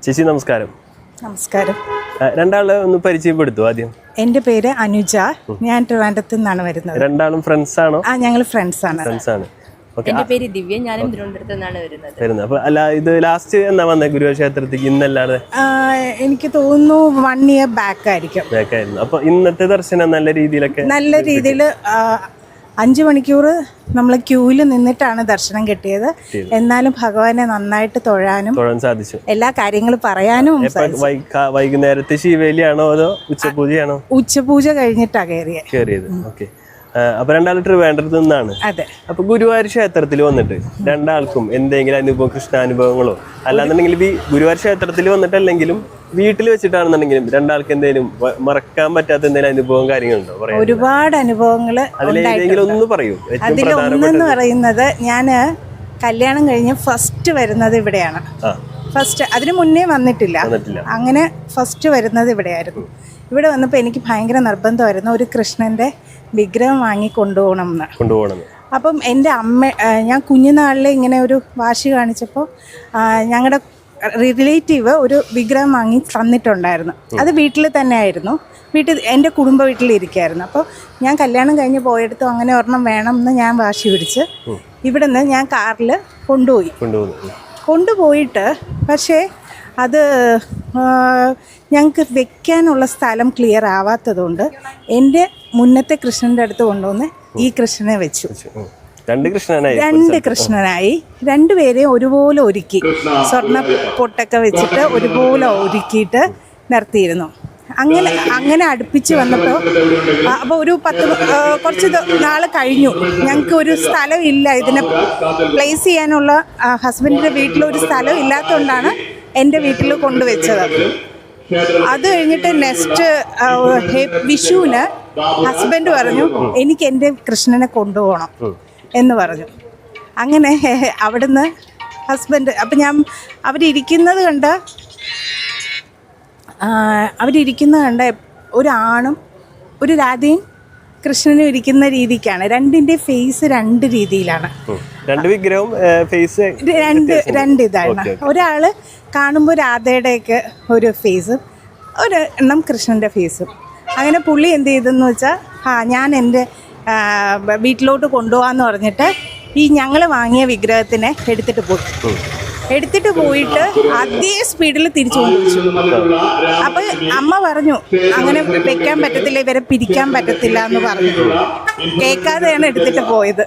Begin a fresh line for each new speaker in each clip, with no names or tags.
ചേച്ചി നമസ്കാരം.
നമസ്കാരം.
രണ്ടാളെ ഒന്ന് പരിചയപ്പെടുത്തു ആദ്യം.
എൻ്റെ പേര് അനുജ. ഞാൻ ട്രിവാൻഡ്രത്ത് നിന്നാണ് വരുന്നത്.
രണ്ടാളും ഫ്രണ്ട്സ് ആണോ?
ഞങ്ങൾ ഫ്രണ്ട്സ് ആണ്.
എന്റെ പേര് ദിവ്യ. ഞാനും തിരുവനന്തപുരത്ത് നിന്നാണ് വരുന്നത്.
അപ്പൊ അല്ല, ഇത് ലാസ്റ്റ് എന്നാ വന്നത് ഗുരുവായൂർ ക്ഷേത്രത്തിലേക്ക്? ഇന്നല്ലാതെ
എനിക്ക് തോന്നുന്നു 1 year ബാക്ക് ആയിരുന്നു.
അപ്പൊ ഇന്നത്തെ ദർശനം നല്ല രീതിയിൽ
5 മണിക്കൂർ നമ്മൾ ക്യൂവിൽ നിന്നിട്ടാണ് ദർശനം കിട്ടിയത്. എന്നാലും ഭഗവാനെ നന്നായിട്ട് തൊഴാൻ
സാധിച്ചു.
എല്ലാ കാര്യങ്ങളും പറയാനും.
വൈകുന്നേരത്തെ ശിവേലിയാണോ അതോ ഉച്ചപൂജയാണോ?
ഉച്ചപൂജ കഴിഞ്ഞിട്ടാണ് കയറിയത്.
ഓക്കെ. അപ്പൊ രണ്ടാളും ട്രിവാൻഡ്രത്ത് നിന്നാണ്.
അതെ.
അപ്പൊ ഗുരുവായൂർ ക്ഷേത്രത്തിൽ വന്നിട്ട് രണ്ടാൾക്കും എന്തെങ്കിലും അനുഭവം, കൃഷ്ണാനുഭവങ്ങളോ അല്ലാന്നുണ്ടെങ്കിൽ ഗുരുവായൂർ ക്ഷേത്രത്തിൽ വന്നിട്ടല്ലെങ്കിലും വീട്ടിൽ വെച്ചിട്ടാണെന്നുണ്ടെങ്കിലും രണ്ടാൾക്ക് എന്തെങ്കിലും മറക്കാൻ പറ്റാത്ത എന്തെങ്കിലും അനുഭവം കാര്യങ്ങളുണ്ടോ?
ഒരുപാട് അനുഭവങ്ങൾ.
ഒന്ന് പറയൂ.
അതിലൊന്നെന്ന് പറയുന്നത്, ഞാൻ കല്യാണം കഴിഞ്ഞ് ഫസ്റ്റ് വരുന്നത് ഇവിടെയാണ്. അതിനു മുന്നേ വന്നിട്ടില്ല. അങ്ങനെ ഫസ്റ്റ് വരുന്നത് ഇവിടെയായിരുന്നു. ഇവിടെ വന്നപ്പോൾ എനിക്ക് ഭയങ്കര നിർബന്ധമായിരുന്നു ഒരു കൃഷ്ണന്റെ വിഗ്രഹം വാങ്ങി കൊണ്ടുപോകണം. അപ്പം എൻ്റെ ഞാൻ കുഞ്ഞുനാളിൽ ഇങ്ങനെ ഒരു വാശി കാണിച്ചപ്പോൾ ഞങ്ങളുടെ റിലേറ്റീവ് ഒരു വിഗ്രഹം വാങ്ങി തന്നിട്ടുണ്ടായിരുന്നു. അത് വീട്ടിൽ തന്നെ ആയിരുന്നു. എൻ്റെ കുടുംബ വീട്ടിലിരിക്കുകയായിരുന്നു. അപ്പോൾ ഞാൻ കല്യാണം കഴിഞ്ഞ് പോയെടുത്തും അങ്ങനെ ഒരെണ്ണം വേണമെന്ന് ഞാൻ വാശി പിടിച്ച് ഇവിടെ നിന്ന് ഞാൻ കാറിൽ കൊണ്ടുപോയിട്ട് പക്ഷേ അത് ഞങ്ങൾക്ക് വെക്കാനുള്ള സ്ഥലം ക്ലിയർ ആവാത്തതുകൊണ്ട് എൻ്റെ മുന്നത്തെ കൃഷ്ണൻ്റെ അടുത്ത് കൊണ്ടുവന്ന് ഈ കൃഷ്ണനെ വെച്ചു. രണ്ട് കൃഷ്ണനായി. രണ്ടുപേരെയും ഒരുപോലെ ഒരുക്കി, സ്വർണ്ണ പൊട്ടൊക്കെ വെച്ചിട്ട് ഒരുപോലെ ഒരുക്കിയിട്ട് നിർത്തിയിരുന്നു. അങ്ങനെ അടുപ്പിച്ച് വന്നപ്പോൾ അപ്പോൾ ഒരു കുറച്ച് നാൾ കഴിഞ്ഞു. ഞങ്ങൾക്ക് ഒരു സ്ഥലം ഇല്ല ഇതിനെ പ്ലേസ് ചെയ്യാനുള്ള. ഹസ്ബൻഡിൻ്റെ വീട്ടിലൊരു സ്ഥലം ഇല്ലാത്തതുകൊണ്ടാണ് എൻ്റെ വീട്ടിൽ കൊണ്ടുവച്ചത്. അത് കഴിഞ്ഞിട്ട് നെക്സ്റ്റ് വിഷുവിന് ഹസ്ബൻഡ് പറഞ്ഞു എനിക്ക് എൻ്റെ കൃഷ്ണനെ കൊണ്ടുപോകണം എന്ന് പറഞ്ഞു. അങ്ങനെ അവിടുന്ന് ഹസ്ബൻഡ് അപ്പം അവരിരിക്കുന്നത് കണ്ട ഒരു ആണും ഒരു രാധയും കൃഷ്ണനും ഇരിക്കുന്ന രീതിക്കാണ്. രണ്ടിൻ്റെ ഫേസ് രണ്ട് രീതിയിലാണ്. രണ്ട് ഇതാണ്. ഒരാള് കാണുമ്പോൾ രാധയുടെയൊക്കെ ഒരു ഫേസും ഒരെണ്ണം കൃഷ്ണൻ്റെ ഫേസും. അങ്ങനെ പുള്ളി എന്ത് ചെയ്തെന്ന് വെച്ചാൽ ഞാൻ എൻ്റെ വീട്ടിലോട്ട് കൊണ്ടുപോകാമെന്ന് പറഞ്ഞിട്ട് ഈ ഞങ്ങൾ വാങ്ങിയ വിഗ്രഹത്തിനെ എടുത്തിട്ട് പോയിട്ട് അതേ സ്പീഡിൽ തിരിച്ചു കൊണ്ടുവച്ചു. അപ്പോൾ അമ്മ പറഞ്ഞു അങ്ങനെ വെക്കാൻ പറ്റത്തില്ല, ഇവരെ പിരിക്കാൻ പറ്റത്തില്ല എന്ന് പറഞ്ഞു. കേൾക്കാതെയാണ് എടുത്തിട്ട് പോയത്.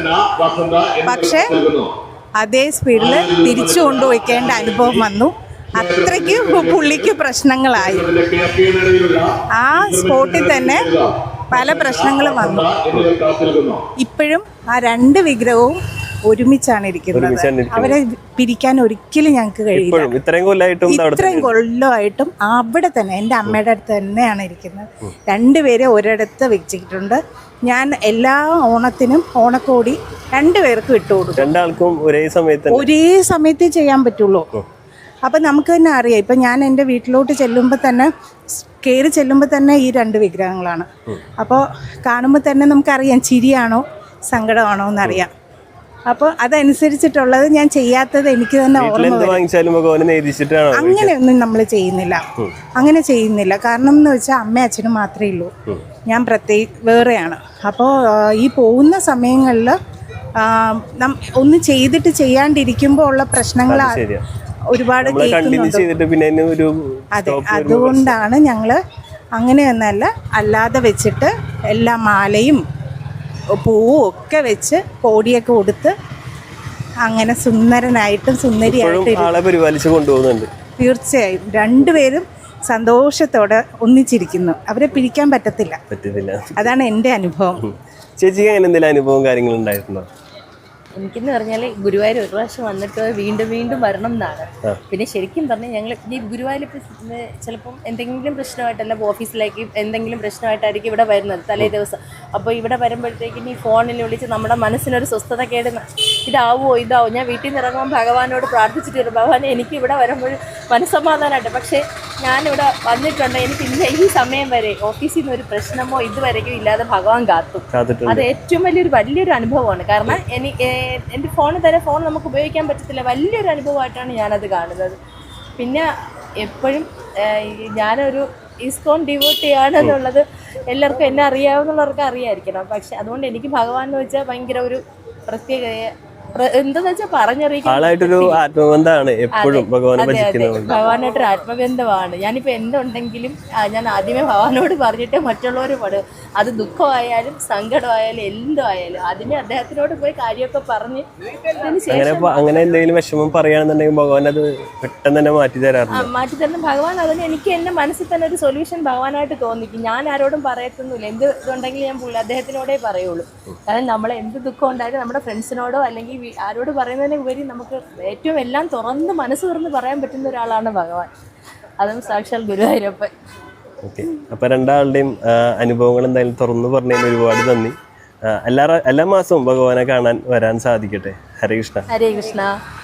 പക്ഷേ അതേ സ്പീഡിൽ തിരിച്ചു കൊണ്ടുവയ്ക്കേണ്ട അനുഭവം വന്നു. അത്രയ്ക്ക് പുള്ളിക്ക് പ്രശ്നങ്ങളായി. ആ സ്പോട്ടിൽ തന്നെ പല പ്രശ്നങ്ങളും വന്നു. ഇപ്പോഴും ആ രണ്ട് വിഗ്രഹവും ഒരുമിച്ചാണ് ഇരിക്കുന്നത്. അവരെ പിരിക്കാൻ ഒരിക്കലും ഞങ്ങൾക്ക് കഴിയില്ല. ഇത്രയും കൊല്ലമായിട്ടും അവിടെ തന്നെ എൻ്റെ അമ്മയുടെ അടുത്ത് തന്നെയാണ് ഇരിക്കുന്നത്. രണ്ടുപേരെ ഒരിടത്ത് വെച്ചിട്ടുണ്ട്. ഞാൻ എല്ലാ ഓണത്തിനും ഓണക്കോടി രണ്ടുപേർക്കും ഇട്ടുകൊടുക്കും.
രണ്ടാൾക്കും
ഒരേ സമയത്തേ ചെയ്യാൻ പറ്റുള്ളൂ. അപ്പം നമുക്ക് തന്നെ അറിയാം. ഇപ്പം ഞാൻ എൻ്റെ വീട്ടിലോട്ട് കയറി ചെല്ലുമ്പോൾ തന്നെ ഈ രണ്ട് വിഗ്രഹങ്ങളാണ്. അപ്പോൾ കാണുമ്പോൾ തന്നെ നമുക്കറിയാം ചിരിയാണോ സങ്കടമാണോ എന്നറിയാം. അപ്പോൾ അതനുസരിച്ചിട്ടുള്ളത് ഞാൻ ചെയ്യാത്തത് എനിക്ക് തന്നെ ഓർമ്മ വരും. അങ്ങനെയൊന്നും നമ്മൾ ചെയ്യുന്നില്ല. കാരണം എന്ന് വെച്ചാൽ അമ്മയും അച്ഛനും മാത്രമേ ഉള്ളൂ. ഞാൻ വേറെയാണ്. അപ്പോൾ ഈ പോകുന്ന സമയങ്ങളിൽ ഒന്ന് ചെയ്തിട്ട് ചെയ്യാണ്ടിരിക്കുമ്പോൾ ഉള്ള പ്രശ്നങ്ങൾ ഒരുപാട് കേൾക്കുന്നുണ്ട്. അതെ, അതുകൊണ്ടാണ് ഞങ്ങൾ അങ്ങനെയൊന്നല്ല, അല്ലാതെ വെച്ചിട്ട് എല്ലാ മാലയും പൂവും ഒക്കെ വെച്ച് കോടിയൊക്കെ കൊടുത്ത് അങ്ങനെ സുന്ദരനായിട്ടും സുന്ദരിയായിട്ടും തീർച്ചയായും രണ്ടുപേരും സന്തോഷത്തോടെ ഒന്നിച്ചിരിക്കുന്നു. അവരെ പിരിക്കാൻ പറ്റത്തില്ല. അതാണ് എൻ്റെ അനുഭവം.
ചേച്ചിക്ക് അങ്ങനെ എന്തെങ്കിലും അനുഭവം കാര്യങ്ങളുണ്ടായിട്ടുണ്ടോ?
എനിക്കെന്ന് പറഞ്ഞാൽ ഗുരുവായൂർ ഒരു പ്രാവശ്യം വന്നിട്ട് വീണ്ടും വരണം എന്നാണ്. പിന്നെ ശരിക്കും പറഞ്ഞാൽ ഞങ്ങൾ ഈ ഗുരുവായൂർ ചിലപ്പം എന്തെങ്കിലും പ്രശ്നമായിട്ടല്ല, ഓഫീസിലേക്ക് എന്തെങ്കിലും പ്രശ്നമായിട്ടായിരിക്കും ഇവിടെ വരുന്നത് തലേ ദിവസം. അപ്പോൾ ഇവിടെ വരുമ്പോഴത്തേക്കും ഈ ഫോണിൽ വിളിച്ച് നമ്മുടെ മനസ്സിനൊരു സ്വസ്ഥത കേട്, ഇതാവോ ഞാൻ വീട്ടിൽ നിന്ന് ഇറങ്ങുമ്പോൾ ഭഗവാനോട് പ്രാർത്ഥിച്ചിട്ട് വരും, ഭഗവാനെ എനിക്ക് ഇവിടെ വരുമ്പോൾ മനസ്സമാധാനമായിട്ട്. പക്ഷേ ഞാനിവിടെ വന്നിട്ടുണ്ട്, എനിക്ക് ഇല്ല ഈ സമയം വരെ ഓഫീസിൽ നിന്ന് ഒരു പ്രശ്നമോ ഇതുവരെയും ഇല്ലാതെ ഭഗവാൻ കാത്തു. അത് ഏറ്റവും വലിയൊരു അനുഭവമാണ്. കാരണം എൻ്റെ ഫോൺ നമുക്ക് ഉപയോഗിക്കാൻ പറ്റത്തില്ല. വലിയൊരു അനുഭവമായിട്ടാണ് ഞാനത് കാണുന്നത്. പിന്നെ എപ്പോഴും ഞാനൊരു ഇസ്കോൺ ഡിവോട്ടി ആണെന്നുള്ളത് എല്ലാവർക്കും എന്നെ അറിയാവുന്നവർക്ക് അറിയായിരിക്കണം. പക്ഷെ അതുകൊണ്ട് എനിക്ക് ഭഗവാൻ എന്ന് വെച്ചാൽ ഭയങ്കര ഒരു പ്രത്യേക എന്താന്ന് വെച്ചാൽ പറഞ്ഞറിയിക്കാൻ
ആളായിട്ടൊരു ആത്മബന്ധമാണ് എപ്പോഴും ഭഗവാനെ ഭജിക്കുന്നത്.
ഭഗവാനായിട്ടൊരു ആത്മബന്ധമാണ്. ഞാനിപ്പോൾ എന്തുണ്ടെങ്കിലും ഞാൻ ആദ്യമേ ഭഗവാനോട് പറഞ്ഞിട്ട് മറ്റുള്ളവർ പാടും. അത് ദുഃഖമായാലും സങ്കടമായാലും എന്തോ ആയാലും ആദ്യമേ അദ്ദേഹത്തിനോട് പോയി കാര്യമൊക്കെ പറഞ്ഞ്
അങ്ങനെ എന്തെങ്കിലും വിഷമം പറയുകയാണെന്നുണ്ടെങ്കിൽ ഭഗവാൻ അത് പെട്ടെന്ന് തന്നെ മാറ്റി തരാറുണ്ട്.
മാറ്റി തരുന്ന ഭഗവാൻ അതിന് എനിക്ക് എൻ്റെ മനസ്സിൽ തന്നെ ഒരു സൊല്യൂഷൻ ഭഗവാനായിട്ട് തോന്നിക്കും. ഞാൻ ആരോടും പറയത്തൊന്നുമില്ല. എന്ത് ഇതുണ്ടെങ്കിൽ ഞാൻ അദ്ദേഹത്തിനോടേ പറയുള്ളൂ. കാരണം നമ്മളെ എന്ത് ദുഃഖം ഉണ്ടായാലും നമ്മുടെ ഫ്രണ്ട്സിനോടോ അല്ലെങ്കിൽ ആരോട് പറയുന്നതിന് ഉപരി നമുക്ക് ഏറ്റവും എല്ലാം തുറന്ന് മനസ്സ് തുറന്ന് പറയാൻ പറ്റുന്ന ഒരാളാണ് ഭഗവാൻ. അതും സാക്ഷാൽ ഗുരുവായൂരപ്പൻ.
ഓക്കെ, അപ്പൊ രണ്ടാളുടെയും അനുഭവങ്ങൾ എന്തായാലും തുറന്നു പറഞ്ഞതിന് ഒരുപാട് നന്ദി. എല്ലാ മാസവും ഭഗവാനെ കാണാൻ വരാൻ സാധിക്കട്ടെ. ഹരേ കൃഷ്ണ.
ഹരേ കൃഷ്ണ.